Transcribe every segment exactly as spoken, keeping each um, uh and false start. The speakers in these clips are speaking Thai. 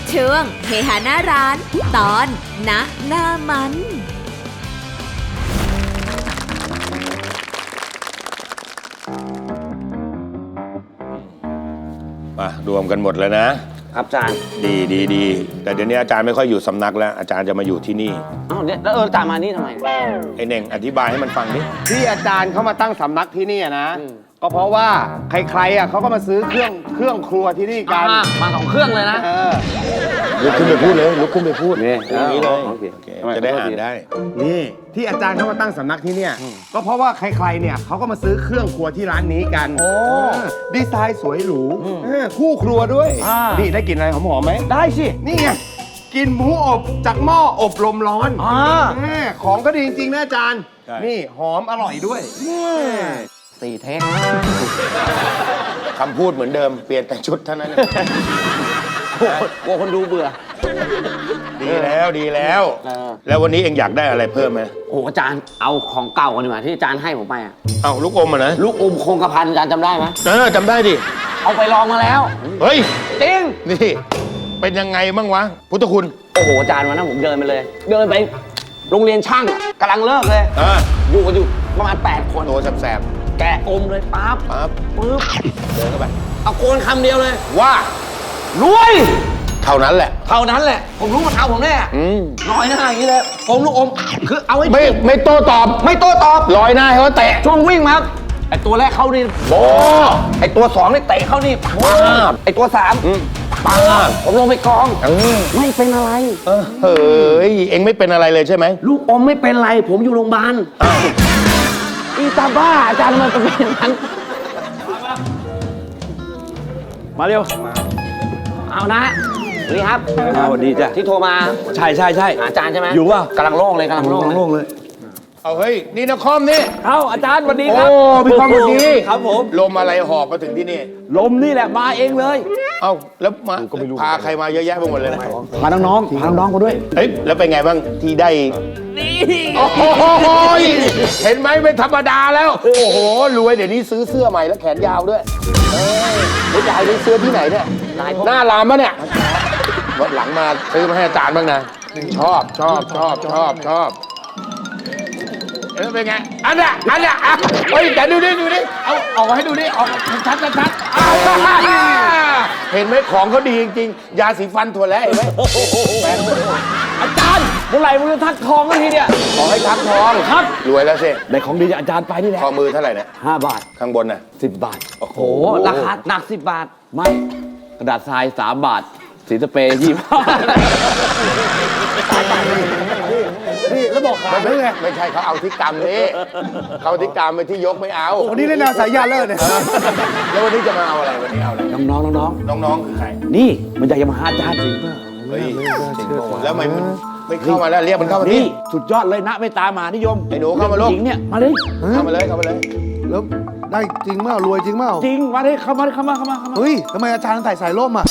ช่วงเฮฮาหน้าร้านตอนณหน้ามันมารวมกันหมดแล้วนะครับอาจารย์ดีดีดีแต่เดี๋ยวนี้อาจารย์ไม่ค่อยอยู่สำนักแล้วอาจารย์จะมาอยู่ที่นี่อ้าวเนี่ยแล้วเอออาจารย์มานี่ทำไมไอ้เน่งอธิบายให้มันฟังดิที่อาจารย์เขามาตั้งสำนักที่นี่นะก็เพราะว่าใครๆอ่ะเขาก็มาซื้อเครื่องเครื่องครัวที่นี่กันมาสองเครื่องเลยนะลุกขึ้นไปพูดเลยลุกขึ้นไปพูดนี่อย่างนี้เลยจะได้อ่านได้นี่ที่อาจารย์เขามาตั้งสำนักที่เนี่ยก็เพราะว่าใครๆเนี่ยเขาก็มาซื้อเครื่องครัวที่ร้านนี้กันโอ้ดีไซน์สวยหรูคู่ครัวด้วยนี่ได้กลิ่นอะไรหอมๆไหมได้สินี่ไงกินหมูอบจากหม้ออบลมร้อนของก็ดีจริงๆนะอาจารย์นี่หอมอร่อยด้วยสี่เทคคำพูดเหมือนเดิมเปลี่ยนแต่ชุดเท่านั้นกลัวคนดูเบื่อดีแล้วดีแล้วแล้ววันนี้เองอยากได้อะไรเพิ่มไหมโอ้อาจารย์เอาของเก่ากันดีกว่าที่อาจารย์ให้ผมไปอ่ะเอาลูกอมอ่ะนะลูกอมคงกระพันอาจารย์จำได้ไหมเออจำได้ดิเอาไปลองมาแล้วเฮ้ยจริงนี่เป็นยังไงบ้างวะพุทธคุณโอ้โหอาจารย์วันนั้นผมเดินไปเลยเดินไปโรงเรียนช่างกำลังเลิกเลยอยู่กันอยู่ประมาณแปดคนตัวแสบแกะอมเลยปั๊บปั๊บปึ๊บเดินเข้าไปเอาโกนคำเดียวเลยว่ารวยเท่านั้นแหละเท่านั้นแหละผมรู้มาเท่าผมแน่ลอยหน้าอย่างนี้เลยผมลูกอมคือเอาไว้ไม่ไม่โต้ตอบไม่โต้ตอบลอยหน้าให้เขาเตะช่วงวิ่งมาไอตัวแรกเข้านี่โบไอตัวสองนี่เตะเข้านี่ป๊าบไอตัวสามป๊าบผมลงไปกองไม่เป็นอะไรเฮ้ยเอ็งไม่เป็นอะไรเลยใช่ไหมลูกอมไม่เป็นไรผมอยู่โรงพยาบาลอีตาบ้าอาจารย์มันเป็นอย่างนั้นมาเร็วเอานะนี่ครับสวัสดีจ้ะที่โทรมาใช่ใช่ใช่อาจารย์ใช่ไหมอยู่ป่ะกำลังโล่งเลยกำลังโล่งโล่งเลยเอาเฮ้ยนี่นครนี่เอาอาจารย์สวัสดีครับโอ้พี่ความสวัสดีครับผมลมอะไรหอบมาถึงที่นี่ลมนี่แหละมาเองเลยเอาแล้วมาพาใครมาเยอะแยะไปหมดเลยพาน้องๆพาน้องๆมาด้วยเฮ้ยแล้วเป็นไงบ้างที่ได้นี่โอ้โหเห็นไหมไม่ธรรมดาแล้วโอ้โหรวยเดี๋ยวนี้ซื้อเสื้อใหม่แล้วแขนยาวด้วยเออไม่จ่ายซื้อเสื้อที่ไหนเนี่ยหน้ารามปะเนี่ยวันหลังมาซื้อมาให้อาจารย์บ้างนะชอบชอบชอบชอบชอบเออเป็นไงอันน่ะอันน่ะเฮ้ยแต่ดูดิดูดิเอาออกมาให้ดูดิออกชัดชัดชัดเห็นไหมของเขาดีจริงๆยาสีฟันถั่วแล้วเห็นไหมอาจารย์เมื่อไหร่มึงจะทักทองกันทีเนี่ยขอให้ทักทองครับรวยแล้วสิได้ของดีจากอาจารย์ไปนี่แหละข้อมือเท่าไหร่เนี่ยห้าบาทข้างบนน่ะสิบบาทโอ้โหราคาหนักสิบบาทไม่กระดาษทรายสามบาทสีสเปรย์ยี่สิบนี่แล้วบอกขายไม่ไงไม่ใช่เขาเอาที่กรรมนี่เขาที่กรรมไปที่ยกไม่เอาวันนี้เล่นแนวสายยาเลิศเนี่ยแล้ววันนี้จะมาเอาอะไรวันนี้เอาอะไรน้องๆน้องๆน้องๆคือใครนี่มันอยากจะมาหาอาจารย์จริงเปล่าเฮ้ยจริงป่ะแล้วทำไมมันไม่เข้ามาแล้วเรียกมันเข้ามานี่สุดยอดเลยนะไม่ตามมานิยมไอ้หนูเข้ามาลูกหญิงเนี่ยมาเลยเข้ามาเลยเข้ามาเลยแล้วได้จริงเปล่ารวยจริงเปล่าจริงมาเลยเข้ามาเข้ามาเข้ามาเฮ้ยทำไมอาจารย์ใส่สายร่มอ่ะ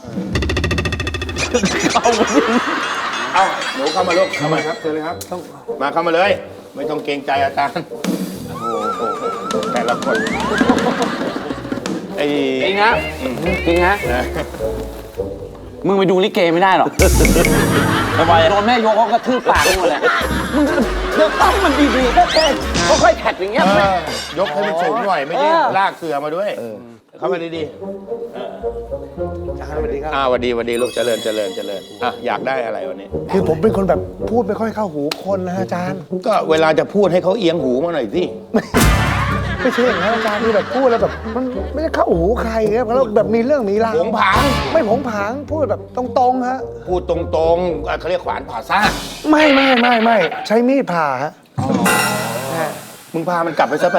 เอาเอาหนูเข้ามาลูกเข้ามาครับเชิญเลยครับต้องมาเข้ามาเลยไม่ต้องเกรงใจอาจารย์โอ้โหแต่ละคนไอ้จริงนะจริงนะมึงไปดูลิเกไม่ได้หรอกทำไมโดนแม่ยกเขากระทืบปากหมดเลยมึงเดี๋ยวตั้งมันดีๆก็แค่ค่อยๆแท็กอย่างเงี้ยยกให้มันสูงหน่อยไม่ได้ลากเสือมาด้วยเข้ามาดีๆสวัสดีครับอ่าสวัสดีสวัสดีลูกเจริญเจริญเจริญอ่ะอยากได้อะไรวันนี้คือผมเป็นคนแบบพูดไม่ค่อยเข้าหูคนนะอาจารย์ก็เวลาจะพูดให้เขาเอียงหูมาหน่อยสิไม่ใช่อย่างนั้นอาจารย์คือแบบพูดแล้วแบบมันไม่ได้เข้าหูใครครับแล้วแบบมีเรื่องมีราวผงผางไม่ผงผางพูดแบบตรงๆฮะพูดตรงๆเขาเรียกขวานผ่าซากไม่ไม่ไม่ไม่ใช้มีดผ่าฮะมึงพามันกลับไปซะไป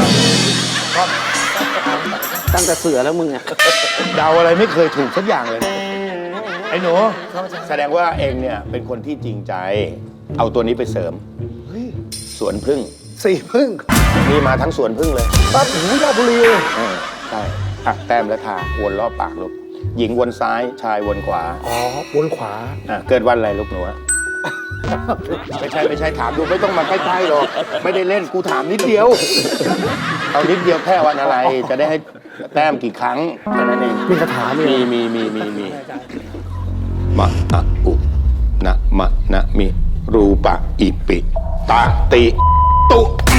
ตั้งแต่เสือแล้วมึงอะเดาอะไรไม่เคยถูกสักอย่างเลยไอ้หนูแสดงว่าเองเนี่ยเป็นคนที่จริงใจเอาตัวนี้ไปเสริมสวนพึ่งสี่พึ่งมีมาทั้งสวนพึ่งเลยบ้านหูราชบุรีใช่หักแต้มและทาวนรอบปากลูกหญิงวนซ้ายชายวนขวาอ๋อวนขวาอ่ะเกิดวันอะไรลูกหนูไม่ใช่ไม่ใช่ถามดูไม่ต้องมาใกล้ๆหรอกไม่ได้เล่นกูถามนิดเดียวเอานิดเดียวแค่วันอะไรจะได้ให้แต้มกี่ครั้งแค่นั้นเองมีคาถามีมีมีมีมีมีมะอะอุนะมะนะมิรูปะอิปิตะติตุ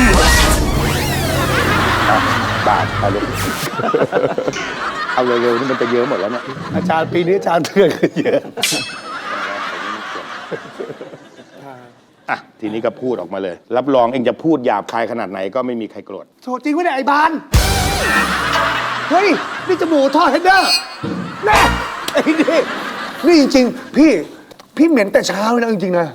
อ่ะบาทเอาลูก เอาเร็วๆนี่มันจะเยอะหมดแล้วเนี่ยอาจารย์ปีนี้อาจารย์เถื่อนขึ้นเยอะอ่ะทีนี้ก็พูดออกมาเลย รับรองเองจะพูดหยาบคายขนาดไหนก็ไม่มีใครโกรธโถจริงไหมเนี่ยไอ้บานเฮ้ยนี่จมูกทอดเฮดเดอร์แน่ไอ้นี่นี่จริงๆพี่พี่เหม็นแต่เช้าเลยนะจริงๆนะ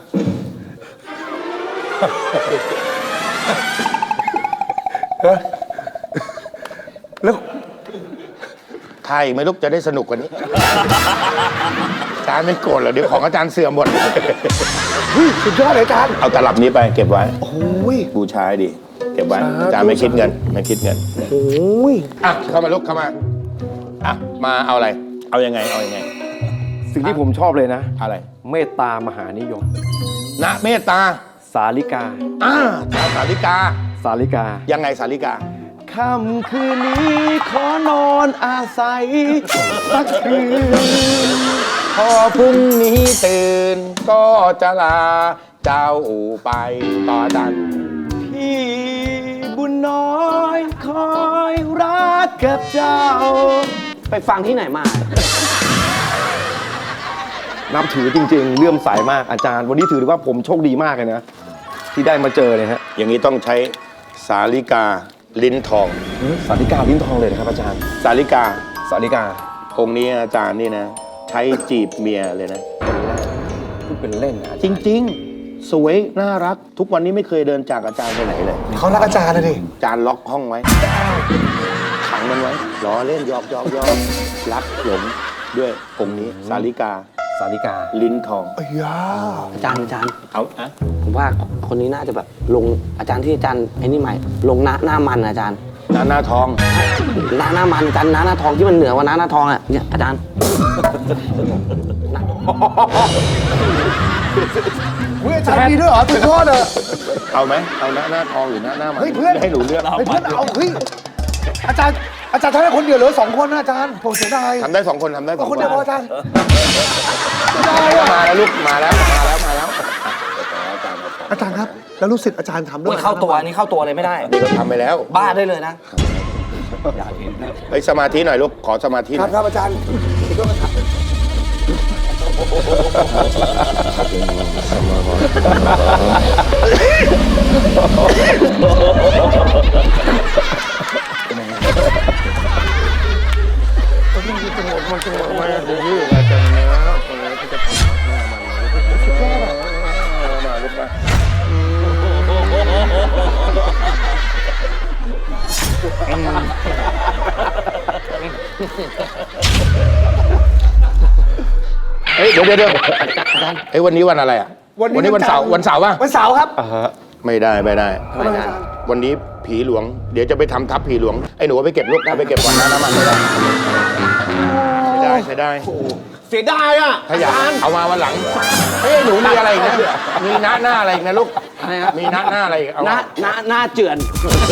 แล้วใครไม่ลูกจะได้สนุกกว่านี้ อาจารย์ไม่โกรธเหรอเดี๋ยวของอาจารย์เสื่อมหมดเฮ้ยสุดยอดเลยอาจารย์เอาตลับนี้ไปเก็บไว้โอ้ยบูชาให้ดี เก็บไว้สาธุอาจารย์ไม่คิดเงินไม่คิดเงินโอ้ยอ่ะเข้ามาลูกเข้ามาอ่ะมาเอาอะไร เอายังไงเอายังไงสิ่งที่ผมชอบเลยนะอะไรเมตตามหานิยมณเมตตาสาลิกาอ่าชาวสาลิกาสาลิกายังไงสาลิกาค่ำคืนนี้ขอนอนอาศัยสักคืนพอพรุ่งนี้ตื่นก็จะลาเจ้าไปต่อดันพี่บุญน้อยคอยรักกับเจ้า ไปฟังที่ไหนมา นับถือจริงๆเลื่อมใสมากอาจารย์ วันนี้ถือว่าผมโชคดีมากเลยนะ ที่ได้มาเจอเนี่ยฮะอย่างนี้ต้องใช้สาลิกาลิ้นทองสาลิกาลิ้นทองเลยนะครับอาจารย์สาลิกาสาลิกาองค์นี้อาจารย์นี่นะ ใช้จีบเมียเลยนะพูดเป็นเล่นนะจริงๆ สวยน่ารักทุกวันนี้ไม่เคยเดินจากอาจารย์ไปไหนเลยเขารักอาจารย์นะดิอาจารย์ล็อกห้องไว้ขังมันไว้ล้อเล่นหยอกหยอกหยอกรักหลงด้วยองค์นี้สาลิกาสาลิกาลิ้นทองไอ้ยาอาจารย์อาจารย์เอาอะผมว่าคนนี้น่าจะแบบลงอาจารย์ที่อาจารย์ไอ้นี่ใหม่ลงหน้าหน้ามันอะอาจารย์หน้าหน้าทองหน้าหน้ามันอาจารย์หน้าหน้าทองที่มันเหนือกว่าหน้าหน้าทองอะเนี่ยอาจารย์เฮ้ยอาจารย์มีด้วยเหรอสุดยอดเลยเอาไหมเอาหน้าหน้าทองหรือหน้าหน้ามันเฮ้ยเพื่อนให้หนูเลือกเฮ้ยเพื่อนเอาเฮ้ยอาจารย์อาจารย์ทำได้คนเดียวเหรือสองคนนะอาจารย์ผมเสียดายทำได้สองคนทำได้สเอาองคนเดียวพออาจารย์ได้มาอะแล้วลูกมาแล้วมาแล้วมาแล้วอาจารย์ครับ แล้วลูกศิษย์อาจารย์ทำด้โอ้วยยเข้าตัวอันนี้เข้าตัวเลยไม่ได้นี่ก็ทำไปแล้วบ้าได้เลยนะเฮ้ยสมาธิหน่อยลูกขอสมาธิหคน่รัอบ ยครับอาจารย์เฮ้ยเดี๋ยวเดี๋ยวเดี๋ยวเฮ้ยวันนี้วันอะไรอ่ะวันนี้วันเสาร์วันเสาร์ป่ะวันเสาร์ครับไม่ได้ไม่ได้ทำไมอาจารย์วันนี้ผีหลวง เดี๋ยวจะไปทำทับผีหลวงไอ้หนูเอาไปเก็บลูกเอาไปเก็บก่อนนะน้ำมันไม่ได้ใช้ได้ใช้ได้เสียดายอ่ะถ้าอยากเอามาวันหลังเฮ้ยหนูมีอะไรอีกนะมีหน้าหน้าอะไรอีกนะลูกอะไรครับมีหน้าหน้าอะไรอีกเอาหน้าหน้าหน้าเจือน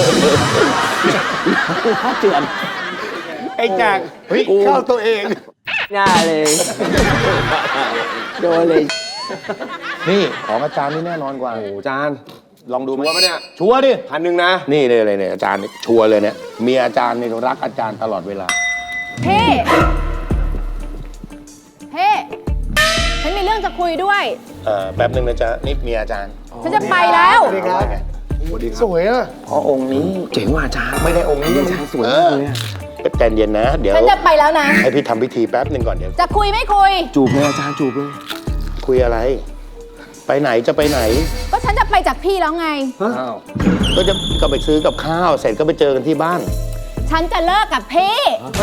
หน้าเจือนไอ้แจกเฮ้ยเข้าตัวเองหน้าเลยโดนเลยนี่ของอาจารย์นี่แน่นอนกว่าโอ้อาจารย์ลองดูไหมชัวร์ปะเนี่ยชัวร์ดิพันหนึ่งนะนี่เลยเลยเนี่ยอาจารย์นี่ชัวร์เลยเนี่ยเมียอาจารย์นี่รักอาจารย์ตลอดเวลาเฮ้เฮ้ฉันมีเรื่องจะคุยด้วยเอ่อแป๊บหนึ่งนะจ๊ะนี่เมียอาจารย์ฉันจะไปแล้วสวัสดีครับสวยอ่ะเพราะองค์นี้เจ๋งว่ะอาจารย์ไม่ได้องค์นี้ยังสวยมากเลยใจเย็นนะ เดี๋ยวฉันจะไปแล้วนะให้พี่ทำพิธีแป๊บหนึ่งก่อนเดี๋ยวจะคุยไม่คุยจูบเลยอาจารย์จูบเลยคุยอะไร ไปไหนจะไปไหนก็ฉันจะไปจากพี่แล้วไงอ้าวก็จะก็ไปซื้อกับข้าวเสร็จก็ไปเจอกันที่บ้านฉันจะเลิกกับพี่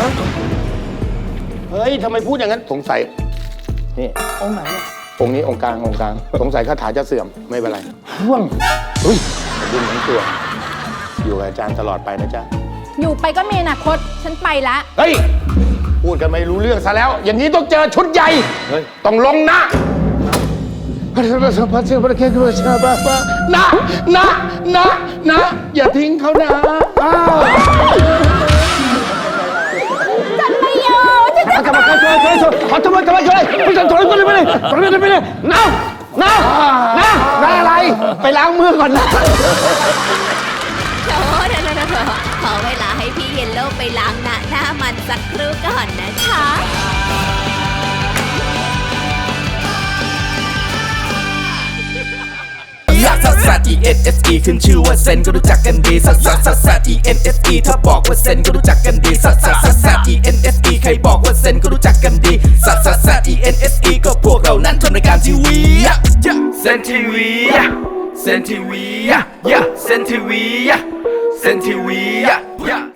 เฮ้ยทำไมพูดอย่างนั้นสงสัยนี่องค์ไหนองค์นี้องค์กลางองค์กลางสงสัยคาถาจะเสื่อมไม่เป็นไรห่วงเฮ้ยดึงทั้งตัว อยู่กับอาจารย์ตลอดไปนะจ๊ะอยู่ไปก็มีอนาคต ฉันไปละเฮ้ย พูดกันไม่รู้เรื่องซะแล้ว อย่างนี้ต้องเจอชุดใหญ่ ต้องลงนะนะนะนะนะอย่าทิ้งเขานะอ้าวฉันไม่ยอมฉันจะกลับมาช่วยช่วยช่วยขอทำไมกลับมาช่วยพี่จันถอยไปเลยไปเลยไปเลยไปเลยน้าน้าน้าน้าอะไร ไปล้างมือก่อนนะโถเถอะเถอะขอเวลาให้พี่เยลโล่ไปล้างหน้าหน้ามันสักครู่ก่อนนะคะลักซัสซัส E N S E ขึ้นชื่อว่าเซนก็รู้จักกันดีซัสซัสซัสซัส E N S E ถ้าบอกว่าเซนก็รู้จักกันดีซัสซัสซัสซัส E N S E ใครบอกว่าเซนก็รู้จักกันดีซัสซัสซัส E N S E ก็พวกเรานั้นทำรายการทีวีเซนทีวีเซนทีวีเซนทีวีเซนทีวี